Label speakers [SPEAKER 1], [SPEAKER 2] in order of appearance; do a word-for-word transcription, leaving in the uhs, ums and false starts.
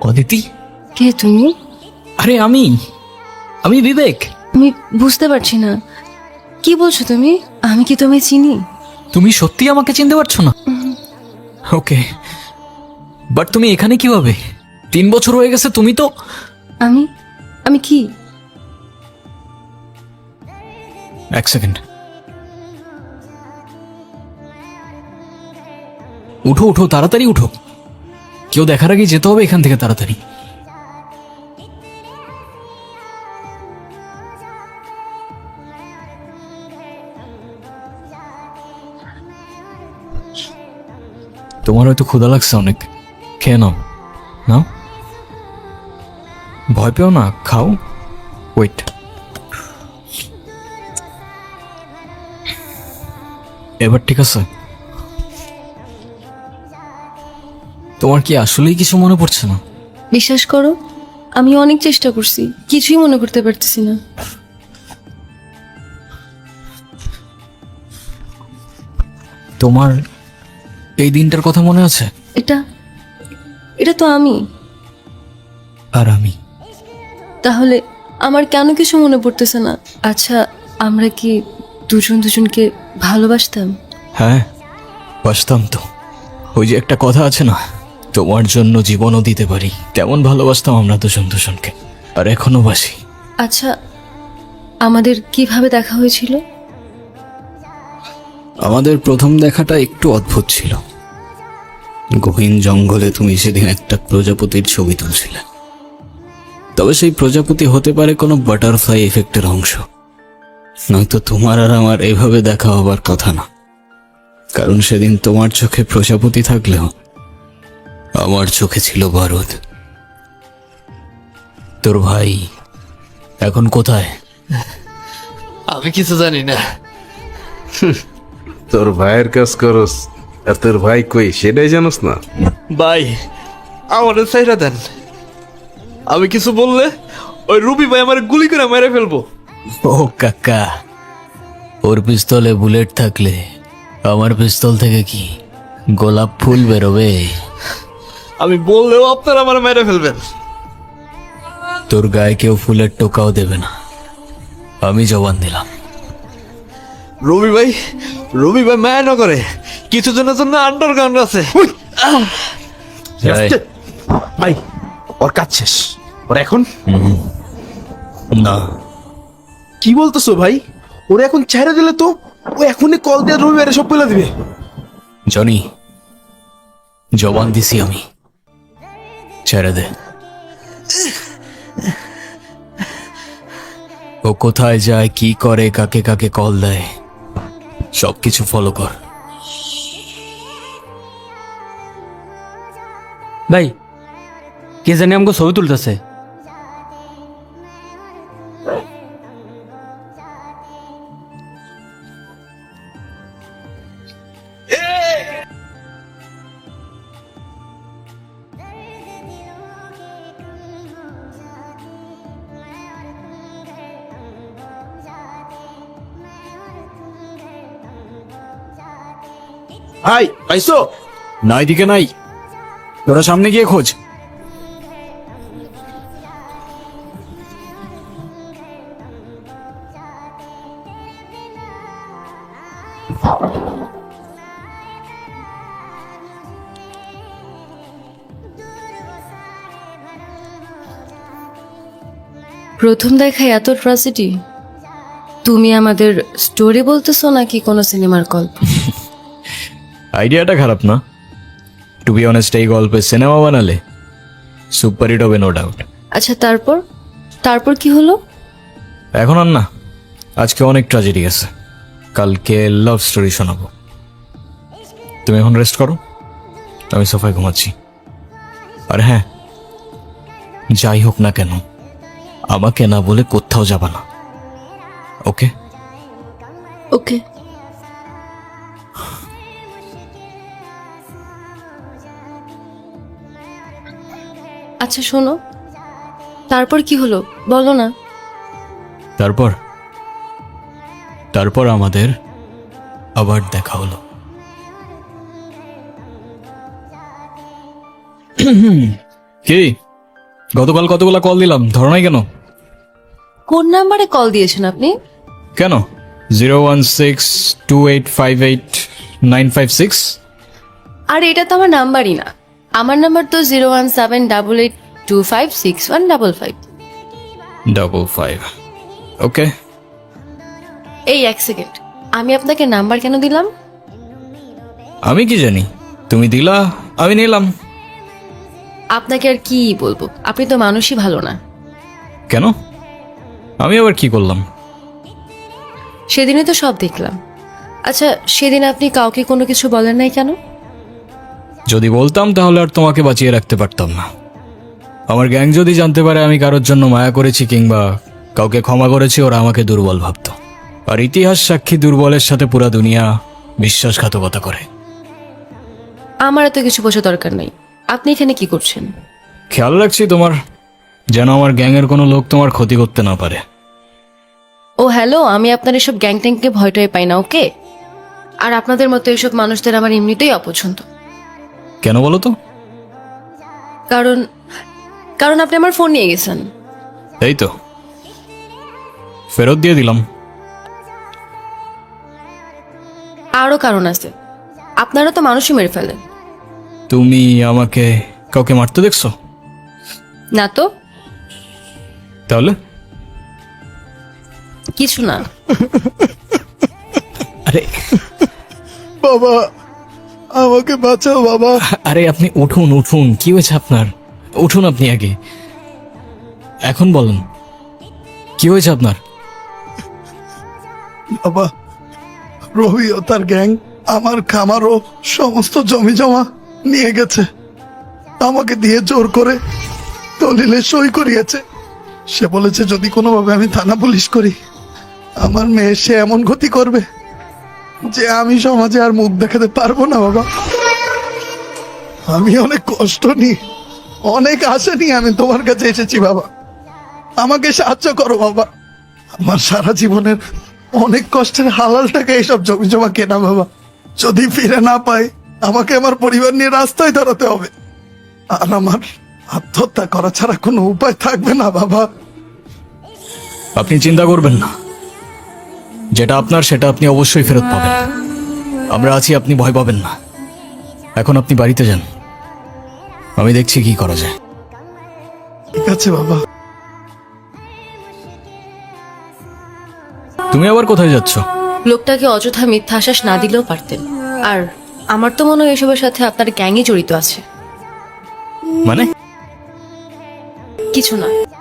[SPEAKER 1] অদিতি,
[SPEAKER 2] কে তুমি?
[SPEAKER 1] আরে আমি আমি বিবেক।
[SPEAKER 2] আমি বুঝতে পারছি না, কি বলছো তুমি? আমি কি তোমায় চিনি?
[SPEAKER 1] তুমি সত্যি আমাকে চিনতে পারছো না? ওকে, বাট তুমি এখানে কিভাবে? তিন বছর হয়ে গেছে, তুমি তো...
[SPEAKER 2] আমি আমি কি?
[SPEAKER 1] এক সেকেন্ড, উঠো উঠো, তাড়াতাড়ি উঠো। কেউ দেখার আগে যেতে হবে এখান থেকে তাড়াতাড়ি। তোমার হয়তো ক্ষুধা লাগছে অনেক, খেয়ে নাও। নাও, ভয় পেও না, খাও। ওয়েট, এবার ঠিক আছে? তোমার কি আসলেই কিছু মনে পড়ছে না?
[SPEAKER 2] বিশ্বাস করো, আমি অনেক চেষ্টা করছি, কিছুই মনে করতে পারতেছি না।
[SPEAKER 1] তোমার এই দিনটার কথা মনে আছে?
[SPEAKER 2] এটা এটা তো আমি।
[SPEAKER 1] আর আমি?
[SPEAKER 2] তাহলে আমার কেন কিছু মনে পড়তেছে না? আচ্ছা, আমরা কি দুজন দুজনকে ভালোবাসতাম?
[SPEAKER 1] হ্যাঁ, বাসতাম তো। ওই যে একটা কথা আছে না, তোমার জন্য জীবনও দিতে পারি, তেমন ভালোবাসতাম আমরা দুজন দুজনকে, আর এখনো বাসি।
[SPEAKER 2] আচ্ছা, আমাদের কিভাবে দেখা হয়েছিল?
[SPEAKER 3] আমাদের প্রথম দেখাটা একটু অদ্ভুত ছিল। গহীন জঙ্গলে তুমি সেদিন একটা প্রজাপতির ছবি তুলছিলে। তবে সেই প্রজাপতি হতে পারে কোনো বাটারফ্লাই এফেক্টের অংশ, নয়তো তোমার আর আমার এভাবে দেখা হবার কথা না। কারণ সেদিন তোমার চোখে প্রজাপতি থাকলেও আমার চোখে ছিল বারুদ।
[SPEAKER 1] তোর ভাই এখন কোথায়?
[SPEAKER 4] আমি কিছু জানি না।
[SPEAKER 5] তোর ভাইয়ের কাজ করস, আর তোর ভাই কই সেটাই জানোস না?
[SPEAKER 4] ভাই, আমার সাইরা দেন। আমি কিছু বললে ওই রুবি ভাই আমার গুলি করে মেরে ফেলবো।
[SPEAKER 1] ও কাকা, ওর পিস্তলে বুলেট থাকলে আমার পিস্তল থেকে কি গোলাপ ফুল বেরোবে?
[SPEAKER 4] আমি বললেও আপনারা আমার মেরে ফেলবেন।
[SPEAKER 1] তোর গায়ে কেউ ফুলের টোকাও দেবে না, আমি জবান দিলাম।
[SPEAKER 4] রবি ভাই, রবি ভাই মায়া না করে কিছু জনের জন্য আন্ডারগ্রাউন্ড আছে।
[SPEAKER 1] এই,
[SPEAKER 5] ভাই, ওর কাজ শেষ, ওর এখন
[SPEAKER 1] না,
[SPEAKER 5] কি বলতেছো ভাই? ওরা এখন ছেড়ে দিলে তো ও এখনই কল দিয়ে রবিবারে সব বলে দিবে।
[SPEAKER 1] জনি, জবান দিছি আমি, ছেড়ে দে। ও কোথায় যায়, কি করে, কাকে কাকে কল দেয়, সবকিছু ফলো কর।
[SPEAKER 6] ভাই, কে জানি আমাকে ছবি তুলতেছে।
[SPEAKER 5] ভাই, পাইছো?
[SPEAKER 1] না, এদিকে নাই, তোরা সামনে গিয়ে খোঁজ।
[SPEAKER 2] প্রথম দেখায় এত ট্র্যাজেডি? তুমি আমাদের স্টোরি বলতেছো নাকি কোনো সিনেমার গল্প?
[SPEAKER 1] আইডিয়াটা খারাপ না, টু বি অনেস্ট। এই গল্পে সিনেমা বানালে সুপার হিট হবে, নো ডাউট।
[SPEAKER 2] আচ্ছা, তারপর তারপর কি হলো?
[SPEAKER 1] এখন আর না, আজকে অনেক ট্র্যাজেডি আছে, কালকে লাভ স্টোরি শোনাবো। তুমি এখন রেস্ট করো, আমি সোফায় ঘুমাচ্ছি। আর হ্যাঁ, যাই হোক না কেন, আমাকে না বলে কোথাও যাবা না, ওকে?
[SPEAKER 2] ওকে। আচ্ছা শোনো, তারপর কি হলো বলো না।
[SPEAKER 1] তারপর তারপর আমাদের আবার দেখা হলো। কি গতকাল কতগুলা কল দিলাম, ধরো নাই কেন?
[SPEAKER 2] কোন নাম্বারে কল দিয়েছেন আপনি?
[SPEAKER 1] কেন? Zero one six two eight five eight nine five six.
[SPEAKER 2] আর এটা তো আমার নাম্বারই না। আমার নাম্বার তো zero one seven double eight two five six one double five.
[SPEAKER 1] Double five. Okay.
[SPEAKER 2] এই এক সেকেন্ড, আমি আপনাকে নাম্বার কেন দিলাম?
[SPEAKER 1] আমি কি জানি, তুমি দিলা, আমি নিলাম।
[SPEAKER 2] আপনাকে আর কি বলবো, আপনি তো মানুষই ভালো না।
[SPEAKER 1] কেন? আমি আবার কি করলাম?
[SPEAKER 2] সেদিনই তো সব দেখলাম। আচ্ছা, সেদিন আপনি কাউকে কোনো কিছু বলেন নাই কেন?
[SPEAKER 1] যদি বলতাম তাহলে আর তোমাকে বাঁচিয়ে রাখতে পারতাম না। আমার গ্যাং যদি জানতে পারে আমি কারোর জন্য মায়া করেছি কিংবা কাউকে ক্ষমা করেছি, ওরা আমাকে দুর্বল ভাবতো। আর ইতিহাস সাক্ষী, দুর্বলের সাথে পুরা দুনিয়া বিশ্বাসঘাতকতা করে।
[SPEAKER 2] আমার এত কিছু বোঝা দরকার নেই। আপনি এখানে কি করছেন?
[SPEAKER 1] খেয়াল রাখছি তোমার, যেন আমার গ্যাংয়ের কোনো লোক তোমার ক্ষতি করতে না পারে।
[SPEAKER 2] ও হ্যালো, আমি আপনার এসব গ্যাং ট্যাংকে ভয়টাই পাই না, ওকে? আর আপনাদের মতো এসব মানুষদের আমার এমনিতেই অপছন্দ।
[SPEAKER 1] কেন বলো তো?
[SPEAKER 2] কারণ কারণ আপনি আমার ফোন নিয়ে গেছেন।
[SPEAKER 1] এই তো, ফেরত দিয়ে দিলাম।
[SPEAKER 2] আরও কারণ আছে, আপনারা তো মানুষই মেরে ফেলেন।
[SPEAKER 1] তুমি আমাকে কাউকে মারতে দেখছো?
[SPEAKER 2] না তো,
[SPEAKER 1] তাহলে
[SPEAKER 2] কিছু না।
[SPEAKER 1] আরে
[SPEAKER 5] বাবা, আমাকে বাঁচাও বাবা।
[SPEAKER 1] আরে আপনি উঠুন উঠুন, কি হয়েছে আপনার? উঠুন আপনি আগে, এখন বলুন কি হয়েছে আপনার?
[SPEAKER 5] বাবা, রবি ও তার গ্যাং আমার খামার ও সমস্ত জমি জমা নিয়ে গেছে। আমাকে দিয়ে জোর করে দলিলে সই করিয়েছে। সে বলেছে যদি কোনোভাবে আমি থানা পুলিশ করি, আমার মেয়ে সে এমন ক্ষতি করবে যে আমি সমাজে আর মুখ দেখাতে পারবো না। বাবা, আমি অনেক কষ্ট নিয়ে, অনেক আশা নিয়ে আমি তোমার কাছে এসেছি। বাবা, আমাকে সাহায্য করো বাবা। আমার সারা জীবনের অনেক কষ্টের হালাল টাকা এইসব জমি জমা কেনা। বাবা, যদি ফিরে না পাই, আমাকে আমার পরিবার নিয়ে রাস্তায় দাঁড়াতে হবে। আর আমার আত্মহত্যা করা ছাড়া কোনো উপায় থাকবে না। বাবা,
[SPEAKER 1] আপনি চিন্তা করবেন না, যেটা আপনার সেটা আপনি অবশ্যই ফেরত পাবেন। আমরা আছি, আপনি ভয় পাবেন না। এখন আপনি বাড়িতে যান, আমি দেখছি কি করা যায়।
[SPEAKER 5] ঠিক আছে বাবা।
[SPEAKER 1] তুমি আবার কোথায় যাচ্ছ?
[SPEAKER 2] লোকটাকে অযথা মিথ্যা আশ্বাস না দিলেও পারতেন। আর আমার তো মনে হয় এসবের সাথে আপনার গ্যাংই জড়িত আছে।
[SPEAKER 1] মানে?
[SPEAKER 2] কিছু না।